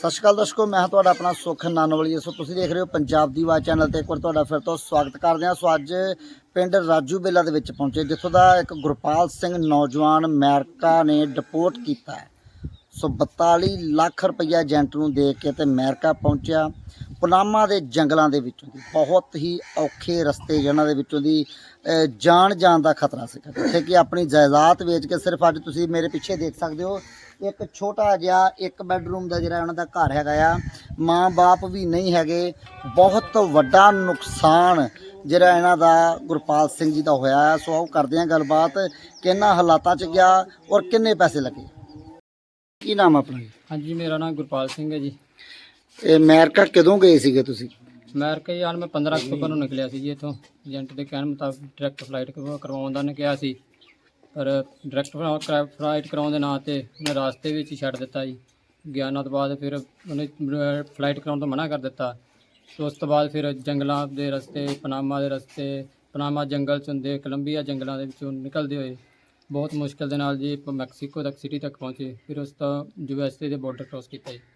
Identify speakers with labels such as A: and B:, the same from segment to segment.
A: ਸਤਿ ਸ਼੍ਰੀ ਅਕਾਲ ਦਰਸ਼ਕੋ, ਮੈਂ ਤੁਹਾਡਾ ਆਪਣਾ ਸੁਖ ਨਾਨੋਵਾਲੀ। ਸੋ ਤੁਸੀਂ ਦੇਖ ਰਹੇ ਹੋ ਪੰਜਾਬ ਦੀ ਆਵਾਜ਼ ਚੈਨਲ ਤੇ। ਇੱਕ ਵਾਰ ਤੁਹਾਡਾ ਫਿਰ ਤੋਂ ਸਵਾਗਤ ਕਰਦੇ ਹਾਂ। ਸੋ ਅੱਜ ਪਿੰਡ ਰਾਜੂ ਬੇਲਾ ਦੇ ਵਿੱਚ ਪਹੁੰਚੇ, ਜਿੱਥੋਂ ਦਾ ਇੱਕ ਗੁਰਪਾਲ ਸਿੰਘ ਨੌਜਵਾਨ ਅਮਰੀਕਾ ਨੇ ਡਿਪੋਰਟ ਕੀਤਾ ਹੈ। ਸੋ 42 ਲੱਖ ਰੁਪਈਆ ਏਜੰਟ ਨੂੰ ਦੇ ਕੇ ਤੇ ਅਮਰੀਕਾ ਪਹੁੰਚਿਆ। ਪਨਾਮਾ ਦੇ ਜੰਗਲਾਂ ਦੇ ਵਿੱਚੋਂ ਦੀ ਬਹੁਤ ਹੀ ਔਖੇ ਰਸਤੇ ਜਿਹਨਾਂ ਦੇ ਵਿੱਚੋਂ ਦੀ ਜਾਣ ਦਾ ਖਤਰਾ ਸੀ, ਜਿੱਥੇ ਕਿ ਆਪਣੀ ਜਾਇਦਾਦ ਵੇਚ ਕੇ ਸਿਰਫ ਅੱਜ ਤੁਸੀਂ ਮੇਰੇ ਪਿੱਛੇ ਦੇਖ ਸਕਦੇ ਹੋ ਇੱਕ ਛੋਟਾ ਜਿਹਾ ਇੱਕ ਬੈਡਰੂਮ ਦਾ ਜਿਹੜਾ ਉਹਨਾਂ ਦਾ ਘਰ ਹੈਗਾ ਆ। ਮਾਂ ਬਾਪ ਵੀ ਨਹੀਂ ਹੈਗੇ। ਬਹੁਤ ਵੱਡਾ ਨੁਕਸਾਨ ਜਿਹੜਾ ਇਹਨਾਂ ਦਾ ਗੁਰਪਾਲ ਸਿੰਘ ਜੀ ਦਾ ਹੋਇਆ ਹੈ। ਸੋ ਆਓ ਕਰਦੇ ਹਾਂ ਗੱਲਬਾਤ ਕਿ ਇਹਨਾਂ ਹਾਲਾਤਾਂ 'ਚ ਗਿਆ ਔਰ ਕਿੰਨੇ ਪੈਸੇ ਲੱਗੇ। ਕੀ ਨਾਮ ਆਪਣਾ ਜੀ?
B: ਹਾਂਜੀ, ਮੇਰਾ ਨਾਮ ਗੁਰਪਾਲ ਸਿੰਘ ਹੈ ਜੀ।
A: ਇਹ ਅਮਰੀਕਾ ਕਦੋਂ ਗਏ ਸੀਗੇ ਤੁਸੀਂ?
B: ਅਮਰੀਕਾ ਯਾਰ ਮੈਂ 15 ਅਕਤੂਬਰ ਨੂੰ ਨਿਕਲਿਆ ਸੀ ਜੀ ਇੱਥੋਂ। ਏਜੰਟ ਦੇ ਕਹਿਣ ਮੁਤਾਬਕ ਡਾਇਰੈਕਟ ਫਲਾਈਟ ਕਰਵਾਉਣ ਦਾ ਨੇ ਕਿਹਾ ਸੀ, ਪਰ ਡਾਇਰੈਕਟ ਫਲਾਈਟ ਕਰਾਉਣ ਦੇ ਨਾਂ 'ਤੇ ਉਹਨੇ ਰਾਸਤੇ ਵਿੱਚ ਹੀ ਛੱਡ ਦਿੱਤਾ ਜੀ। ਗਿਆਨਾਂ ਤੋਂ ਬਾਅਦ ਫਿਰ ਉਹਨੇ ਫਲਾਈਟ ਕਰਾਉਣ ਤੋਂ ਮਨਾ ਕਰ ਦਿੱਤਾ। ਉਸ ਤੋਂ ਬਾਅਦ ਫਿਰ ਜੰਗਲਾਂ ਦੇ ਰਸਤੇ, ਪਨਾਮਾ ਦੇ ਰਸਤੇ, ਪਨਾਮਾ ਜੰਗਲ 'ਚ ਹੁੰਦੇ, ਕੋਲੰਬੀਆ ਜੰਗਲਾਂ ਦੇ ਵਿੱਚੋਂ ਨਿਕਲਦੇ ਹੋਏ ਬਹੁਤ ਮੁਸ਼ਕਿਲ ਦੇ ਨਾਲ ਜੀ ਮੈਕਸੀਕੋ ਤੱਕ ਸਿਟੀ ਤੱਕ ਪਹੁੰਚੇ। ਫਿਰ ਉਸ ਤੋਂ USA ਦੇ ਬਾਰਡਰ ਕ੍ਰੋਸ ਕੀਤਾ ਜੀ।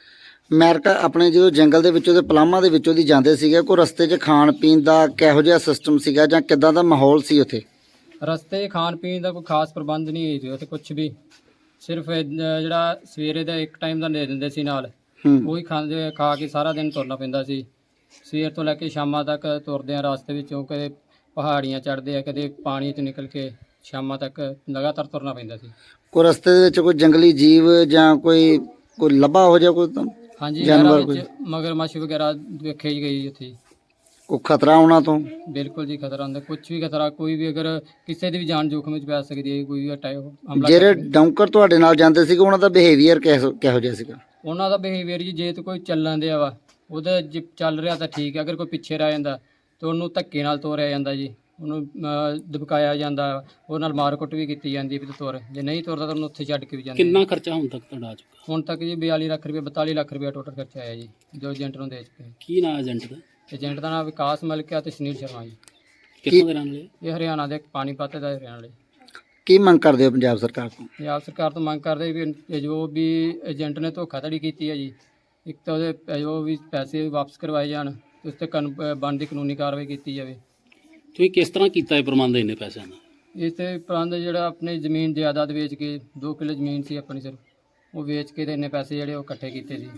A: ਅਮਰੀਕਾ ਆਪਣੇ ਜਦੋਂ ਜੰਗਲ ਦੇ ਵਿੱਚੋਂ ਤੇ ਪਨਾਮਾ ਦੇ ਵਿੱਚੋਂ ਦੀ ਜਾਂਦੇ ਸੀਗੇ, ਕੋਈ ਰਸਤੇ 'ਚ ਖਾਣ ਪੀਣ ਦਾ ਕਿਹੋ ਜਿਹਾ ਸਿਸਟਮ ਸੀਗਾ ਜਾਂ ਕਿੱਦਾਂ ਦਾ ਮਾਹੌਲ ਸੀ ਉੱਥੇ?
B: ਰਸਤੇ ਖਾਣ ਪੀਣ ਦਾ ਕੋਈ ਖਾਸ ਪ੍ਰਬੰਧ ਨਹੀਂ ਹੋਈ ਸੀ ਉੱਥੇ ਕੁਛ ਵੀ। ਸਿਰਫ ਜਿਹੜਾ ਸਵੇਰੇ ਦਾ ਇੱਕ ਟਾਈਮ ਦਾ ਦੇ ਦਿੰਦੇ ਸੀ ਨਾਲ, ਉਹੀ ਖਾਂਦੇ ਖਾ ਕੇ ਸਾਰਾ ਦਿਨ ਤੁਰਨਾ ਪੈਂਦਾ ਸੀ। ਸਵੇਰ ਤੋਂ ਲੈ ਕੇ ਸ਼ਾਮਾਂ ਤੱਕ ਤੁਰਦੇ ਆ ਰਸਤੇ ਵਿੱਚੋਂ, ਕਦੇ ਪਹਾੜੀਆਂ ਚੜ੍ਹਦੇ ਆ, ਕਦੇ ਪਾਣੀ 'ਚ ਨਿਕਲ ਕੇ ਸ਼ਾਮਾਂ ਤੱਕ ਲਗਾਤਾਰ ਤੁਰਨਾ ਪੈਂਦਾ ਸੀ।
A: ਕੋਈ ਰਸਤੇ ਦੇ ਵਿੱਚ ਕੋਈ ਜੰਗਲੀ ਜੀਵ ਜਾਂ ਕੋਈ ਲੱਭਾ ਹੋ ਜਾ ਕੋਈ
B: ਹਾਂਜੀ,
A: ਜਾਨਵਰ
B: ਵਿੱਚ ਮਗਰਮੱਛ ਵਗੈਰਾ ਵੇਖੇ ਹੀ ਗਈ ਉੱਥੇ।
A: ਕੋਈ ਖਤਰਾ ਉਹਨਾਂ ਤੋਂ?
B: ਬਿਲਕੁਲ ਜੀ, ਖਤਰਾ ਹੁੰਦਾ। ਕੁਛ ਵੀ ਖਤਰਾ, ਕੋਈ ਵੀ ਅਗਰ ਕਿਸੇ ਦੀ ਵੀ ਜਾਨ ਜੋਖਮ ਵਿੱਚ ਪੈ ਸਕਦੀ ਹੈ। ਕੋਈ ਵੀ ਹਮਲਾ
A: ਜਿਹੜੇ ਡੌਂਕਰ ਤੁਹਾਡੇ ਨਾਲ ਜਾਂਦੇ ਸੀਗੇ ਉਹਨਾਂ ਦਾ ਬਿਹੇਵੀਅਰ ਕਿਹੋ ਜਿਹਾ ਸੀਗਾ?
B: ਉਹਨਾਂ ਦਾ ਬਿਹੇਵੀਅਰ ਜੀ, ਜੇ ਤਾਂ ਕੋਈ ਚੱਲਣ ਦਿਆ ਵਾ ਉਹਦਾ ਜੇ ਚੱਲ ਰਿਹਾ ਤਾਂ ਠੀਕ ਹੈ। ਅਗਰ ਕੋਈ ਪਿੱਛੇ ਰਹਿ ਜਾਂਦਾ ਤਾਂ ਉਹਨੂੰ ਧੱਕੇ ਨਾਲ ਤੋਰਿਆ ਜਾਂਦਾ ਜੀ, ਉਹਨੂੰ ਦਬਕਾਇਆ ਜਾਂਦਾ, ਉਹ ਨਾਲ ਮਾਰ ਕੁੱਟ ਵੀ ਕੀਤੀ ਜਾਂਦੀ ਵੀ ਤੂੰ ਤੁਰ। ਜੇ ਨਹੀਂ ਤੁਰਦਾ ਤਾਂ ਉਹਨੂੰ ਉੱਥੇ ਛੱਡ ਕੇ ਵੀ ਜਾਂਦੇ।
C: ਕਿੰਨਾ ਖਰਚਾ ਹੁਣ ਤੱਕ ਤੁਹਾਡਾ ਆ ਚੁੱਕਾ?
B: ਹੁਣ ਤੱਕ ਜੀ 42 ਲੱਖ ਰੁਪਏ 42 ਲੱਖ ਰੁਪਏ ਟੋਟਲ ਖਰਚਾ ਆਇਆ ਜੀ, ਜੋ ਏਜੰਟ ਨੂੰ ਦੇ ਚੁੱਕੇ।
C: ਕੀ ਨਾਂ ਏਜੰਟ ਦਾ?
B: ਏਜੰਟ ਦਾ ਨਾਮ ਵਿਕਾਸ ਮਲਿਕ ਤੇ ਸੁਨੀਲ ਸ਼ਰਮਾ ਜੀ।
C: ਕਿੱਥੋਂ ਦੇ ਰਹਿਣ ਵਾਲੇ?
B: ਇਹ ਹਰਿਆਣਾ ਦੇ ਪਾਣੀਪਤ ਦਾ ਰਹਿਣ ਵਾਲੇ।
A: ਕੀ ਮੰਗ ਕਰਦੇ ਹੋ ਪੰਜਾਬ ਸਰਕਾਰ ਤੋਂ?
B: ਪੰਜਾਬ ਸਰਕਾਰ ਤੋਂ ਮੰਗ ਕਰਦੇ ਵੀ ਇਹ ਜੋ ਵੀ ਏਜੰਟ ਨੇ ਧੋਖਾਧੜੀ ਕੀਤੀ ਹੈ ਜੀ, ਇੱਕ ਤਾਂ ਉਹਦੇ ਜੋ ਵੀ ਪੈਸੇ ਵਾਪਸ ਕਰਵਾਏ ਜਾਣ, ਉਸ 'ਤੇ ਬਣਦੀ ਕਾਨੂੰਨੀ ਕਾਰਵਾਈ ਕੀਤੀ ਜਾਵੇ।
C: ਤੁਸੀਂ ਕਿਸ ਤਰ੍ਹਾਂ ਕੀਤਾ ਇਹ ਪ੍ਰਬੰਧ ਇੰਨੇ ਪੈਸਿਆਂ ਦਾ?
B: ਇਸ 'ਤੇ ਪ੍ਰਬੰਧ ਜਿਹੜਾ ਆਪਣੀ ਜ਼ਮੀਨ ਜਾਇਦਾਦ ਵੇਚ ਕੇ, 2 ਕਿੱਲੇ ਜ਼ਮੀਨ ਸੀ ਆਪਣੀ ਸਿਰਫ, ਉਹ ਵੇਚ ਕੇ ਤੇ ਇੰਨੇ ਪੈਸੇ ਜਿਹੜੇ ਉਹ ਇਕੱਠੇ ਕੀਤੇ ਸੀ।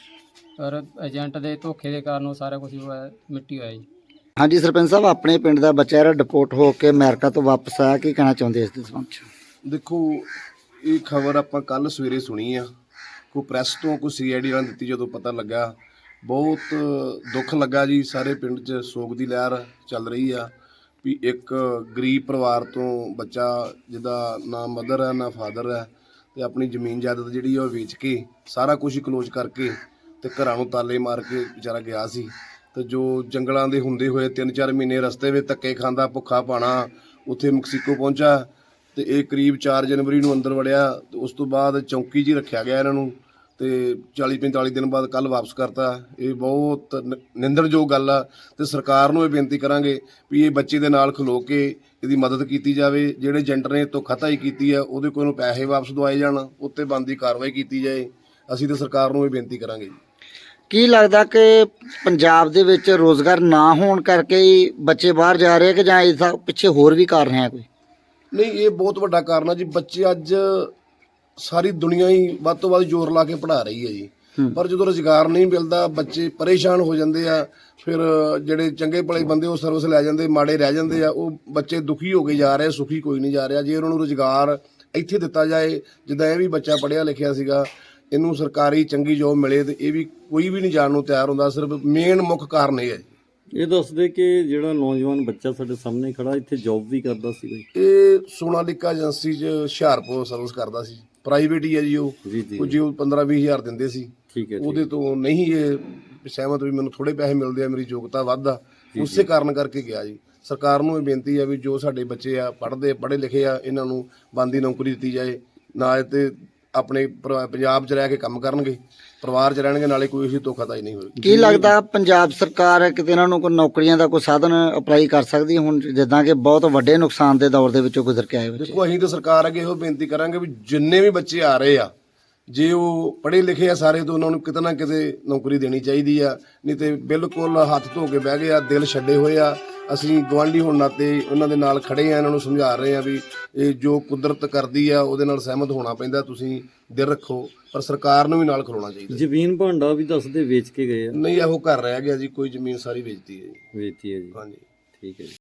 B: ਪਰ ਏਜੰਟ ਦੇ ਧੋਖੇ ਦੇ ਕਾਰਨ ਉਹ ਸਾਰਾ ਕੁਝ ਮਿੱਟੀ ਹੋਇਆ ਜੀ।
A: ਹਾਂਜੀ ਸਰਪੰਚ ਸਾਹਿਬ, ਆਪਣੇ ਪਿੰਡ ਦਾ ਬੱਚਾ ਜਿਹੜਾ ਡਿਪੋਰਟ ਹੋ ਕੇ ਅਮਰੀਕਾ ਤੋਂ ਵਾਪਸ ਆਇਆ, ਕੀ ਕਹਿਣਾ ਚਾਹੁੰਦੇ ਇਸ ਦੇ ਸੰਬੰਧ 'ਚ?
D: ਦੇਖੋ, ਇਹ ਖਬਰ ਆਪਾਂ ਕੱਲ ਸਵੇਰੇ ਸੁਣੀ ਆ, ਕੋਈ ਪ੍ਰੈਸ ਤੋਂ ਕੋਈ CID ਨਾਲ ਦਿੱਤੀ। ਜਦੋਂ ਪਤਾ ਲੱਗਾ ਬਹੁਤ ਦੁੱਖ ਲੱਗਾ ਜੀ। ਸਾਰੇ ਪਿੰਡ 'ਚ ਸੋਗ ਦੀ ਲਹਿਰ ਚੱਲ ਰਹੀ ਆ ਵੀ ਇੱਕ ਗਰੀਬ ਪਰਿਵਾਰ ਤੋਂ ਬੱਚਾ ਜਿਹਦਾ ਨਾ ਮਦਰ ਹੈ ਨਾ ਫਾਦਰ ਹੈ, ਤੇ ਆਪਣੀ ਜ਼ਮੀਨ ਜਾਇਦਾਦ ਜਿਹੜੀ ਉਹ ਵੇਚ ਕੇ ਸਾਰਾ ਕੁਝ ਹੀ ਕਲੋਜ਼ ਕਰਕੇ ਤੇ ਘਰਾਂ ਨੂੰ ਤਾਲੇ ਮਾਰ ਕੇ ਵਿਚਾਰਾ ਗਿਆ ਸੀ। ਤੇ ਜੋ ਜੰਗਲਾਂ ਦੇ ਹੁੰਦੇ ਹੋਏ 3-4 ਮਹੀਨੇ ਰਸਤੇ ਵਿੱਚ ਧੱਕੇ ਖਾਂਦਾ, ਭੁੱਖਾ ਭਾਣਾ, ਉੱਥੇ ਮੈਕਸੀਕੋ ਪਹੁੰਚਾ ਤੇ ਇਹ ਕਰੀਬ 4 ਜਨਵਰੀ ਨੂੰ ਅੰਦਰ ਵੜਿਆ। ਤੇ ਉਸ ਤੋਂ ਬਾਅਦ ਚੌਂਕੀ 'ਚ ਰੱਖਿਆ ਗਿਆ ਇਹਨਾਂ ਨੂੰ, ਤੇ 40-45 ਦਿਨ ਬਾਅਦ ਕੱਲ੍ਹ ਵਾਪਸ ਕਰਤਾ। ਇਹ ਬਹੁਤ ਨਿੰਦਣਯੋਗ ਗੱਲ ਆ। ਤੇ ਸਰਕਾਰ ਨੂੰ ਇਹ ਬੇਨਤੀ ਕਰਾਂਗੇ ਵੀ ਇਹ ਬੱਚੇ ਦੇ ਨਾਲ ਖਲੋ ਕੇ ਇਹਦੀ ਮਦਦ ਕੀਤੀ ਜਾਵੇ। ਜਿਹੜੇ ਏਜੰਟ ਨੇ ਧੋਖਾਧੜੀ ਕੀਤੀ ਆ ਉਹਦੇ ਕੋਲ ਨੂੰ ਪੈਸੇ ਵਾਪਸ ਦਵਾਏ ਜਾਣ, ਉੱਤੇ ਬਣਦੀ ਕਾਰਵਾਈ ਕੀਤੀ ਜਾਏ। ਅਸੀਂ ਤਾਂ ਸਰਕਾਰ ਨੂੰ ਇਹ ਬੇਨਤੀ ਕਰਾਂਗੇ ਜੀ।
A: ਕੀ ਲੱਗਦਾ ਕਿ ਪੰਜਾਬ ਦੇ ਵਿੱਚ ਰੋਜ਼ਗਾਰ ਨਾ ਹੋਣ ਕਰਕੇ ਹੀ ਬੱਚੇ ਬਾਹਰ ਜਾ ਰਹੇ ਕਿ ਜਾਂ ਇਸ ਦਾ ਪਿੱਛੇ ਹੋਰ ਵੀ ਕਾਰਨ ਹੈ ਕੋਈ?
D: ਨਹੀਂ, ਇਹ ਬਹੁਤ ਵੱਡਾ ਕਾਰਨ ਆ ਜੀ। ਬੱਚੇ ਅੱਜ ਸਾਰੀ ਦੁਨੀਆ ਹੀ ਵੱਧ ਤੋਂ ਵੱਧ ਜ਼ੋਰ ਲਾ ਕੇ ਪੜ੍ਹਾ ਰਹੀ ਹੈ ਜੀ, ਪਰ ਜਦੋਂ ਰੁਜ਼ਗਾਰ ਨਹੀਂ ਮਿਲਦਾ ਬੱਚੇ ਪਰੇਸ਼ਾਨ ਹੋ ਜਾਂਦੇ ਆ। ਫਿਰ ਜਿਹੜੇ ਚੰਗੇ ਭਲੇ ਬੰਦੇ ਉਹ ਸਰਵਿਸ ਲੈ ਜਾਂਦੇ, ਮਾੜੇ ਰਹਿ ਜਾਂਦੇ ਆ। ਉਹ ਬੱਚੇ ਦੁਖੀ ਹੋ ਕੇ ਜਾ ਰਹੇ, ਸੁਖੀ ਕੋਈ ਨਹੀਂ ਜਾ ਰਿਹਾ। ਜੇ ਉਹਨਾਂ ਨੂੰ ਰੁਜ਼ਗਾਰ ਇੱਥੇ ਦਿੱਤਾ ਜਾਏ, ਜਿੱਦਾਂ ਇਹ ਵੀ ਬੱਚਾ ਪੜ੍ਹਿਆ ਲਿਖਿਆ ਸੀਗਾ, ਇਹਨੂੰ ਸਰਕਾਰੀ ਚੰਗੀ ਜੋਬ ਮਿਲੇ, ਤੇ ਇਹ ਵੀ ਕੋਈ ਵੀ ਨਹੀਂ ਜਾਣ ਨੂੰ ਤਿਆਰ ਹੁੰਦਾ। ਸਿਰਫ ਮੇਨ ਮੁੱਖ ਕਾਰਨ ਇਹ ਹੈ ਜੀ।
E: ਇਹ ਦੱਸਦੇ ਕਿ ਜਿਹੜਾ ਨੌਜਵਾਨ ਬੱਚਾ ਸਾਡੇ ਸਾਹਮਣੇ ਖੜਾ ਇੱਥੇ ਜੌਬ ਵੀ ਕਰਦਾ ਸੀ ਕੋਈ?
D: ਇਹ ਸੋਨਾਲੀਕਾ ਏਜੰਸੀ 'ਚ ਹੁਸ਼ਿਆਰਪੁਰ ਸਰਵਿਸ ਕਰਦਾ ਸੀ। ਪ੍ਰਾਈਵੇਟ ਹੀ ਹੈ ਜੀ ਉਹ। ਜੀ ਉਹ 15-20 ਹਜ਼ਾਰ ਦਿੰਦੇ ਸੀ।
E: ਠੀਕ ਹੈ।
D: ਉਹਦੇ ਤੋਂ ਨਹੀਂ ਇਹ ਸਹਿਮਤ ਵੀ ਮੈਨੂੰ ਥੋੜੇ ਪੈਸੇ ਮਿਲਦੇ ਆ, ਮੇਰੀ ਯੋਗਤਾ ਵੱਧ ਆ, ਉਸੇ ਕਾਰਨ ਕਰਕੇ ਗਿਆ ਜੀ। ਸਰਕਾਰ ਨੂੰ ਇਹ ਬੇਨਤੀ ਆ ਵੀ ਜੋ ਸਾਡੇ ਬੱਚੇ ਆ ਪੜ੍ਹੇ ਲਿਖੇ ਆ, ਇਹਨਾਂ ਨੂੰ ਬਣਦੀ ਨੌਕਰੀ ਦਿੱਤੀ ਜਾਏ। ਨਾ ਤੇ ਆਪਣੇ ਪੰਜਾਬ 'ਚ ਰਹਿ ਕੇ ਕੰਮ ਕਰਨਗੇ, ਪਰਿਵਾਰ 'ਚ ਰਹਿਣਗੇ, ਨਾਲੇ ਕੋਈ ਅਸੀਂ ਧੋਖਾਧੜੀ ਨਹੀਂ ਹੋਏਗੀ।
A: ਕੀ ਲੱਗਦਾ ਪੰਜਾਬ ਸਰਕਾਰ ਕਿਤੇ ਇਹਨਾਂ ਨੂੰ ਕੋਈ ਨੌਕਰੀਆਂ ਦਾ ਕੋਈ ਸਾਧਨ ਅਪਲਾਈ ਕਰ ਸਕਦੀ ਹੁਣ, ਜਿੱਦਾਂ ਕਿ ਬਹੁਤ ਵੱਡੇ ਨੁਕਸਾਨ ਦੇ ਦੌਰ ਦੇ ਵਿੱਚੋਂ ਗੁਜ਼ਰ ਕੇ ਆਏ ਬੱਚੇ?
D: ਦੇਖੋ, ਅਸੀਂ ਤਾਂ ਸਰਕਾਰ ਅੱਗੇ ਇਹੋ ਬੇਨਤੀ ਕਰਾਂਗੇ ਵੀ ਜਿੰਨੇ ਵੀ ਬੱਚੇ ਆ ਰਹੇ ਆ, ਜੇ ਉਹ ਪੜ੍ਹੇ ਲਿਖੇ ਆ ਸਾਰੇ ਤਾਂ ਉਹਨਾਂ ਨੂੰ ਕਿਤੇ ਨਾ ਕਿਤੇ ਨੌਕਰੀ ਦੇਣੀ ਚਾਹੀਦੀ ਆ, ਨਹੀਂ ਤੇ ਬਿਲਕੁਲ ਹੱਥ ਧੋ ਕੇ ਬਹਿ ਗਏ ਆ, ਦਿਲ ਛੱਡੇ ਹੋਏ ਆ। ਅਸੀਂ ਗਵਾਂਢੀ ਹੋਣ ਨਾਤੇ ਉਹਨਾਂ ਦੇ ਨਾਲ ਖੜੇ ਆ, ਇਹਨਾਂ ਨੂੰ ਸਮਝਾ ਰਹੇ ਆ ਵੀ ਇਹ ਜੋ ਕੁਦਰਤ ਕਰਦੀ ਆ ਉਹਦੇ ਨਾਲ ਸਹਿਮਤ ਹੋਣਾ ਪੈਂਦਾ, ਤੁਸੀਂ ਦਿਲ ਰੱਖੋ, ਪਰ ਸਰਕਾਰ ਨੂੰ ਵੀ ਨਾਲ ਖਲੋਣਾ ਚਾਹੀਦਾ।
E: ਜ਼ਮੀਨ ਭਾਂਡਾ ਵੀ ਦੱਸਦੇ ਵੇਚ ਕੇ ਗਏ ਆ।
D: ਨਹੀਂ ਇਹੋ ਘਰ ਰਹਿ ਗਿਆ ਜੀ, ਕੋਈ ਜ਼ਮੀਨ ਸਾਰੀ ਵੇਚਤੀ ਹੈ ਜੀ।
E: ਵੇਚੀ ਹੈ ਜੀ।
D: ਹਾਂਜੀ
E: ਠੀਕ ਹੈ ਜੀ।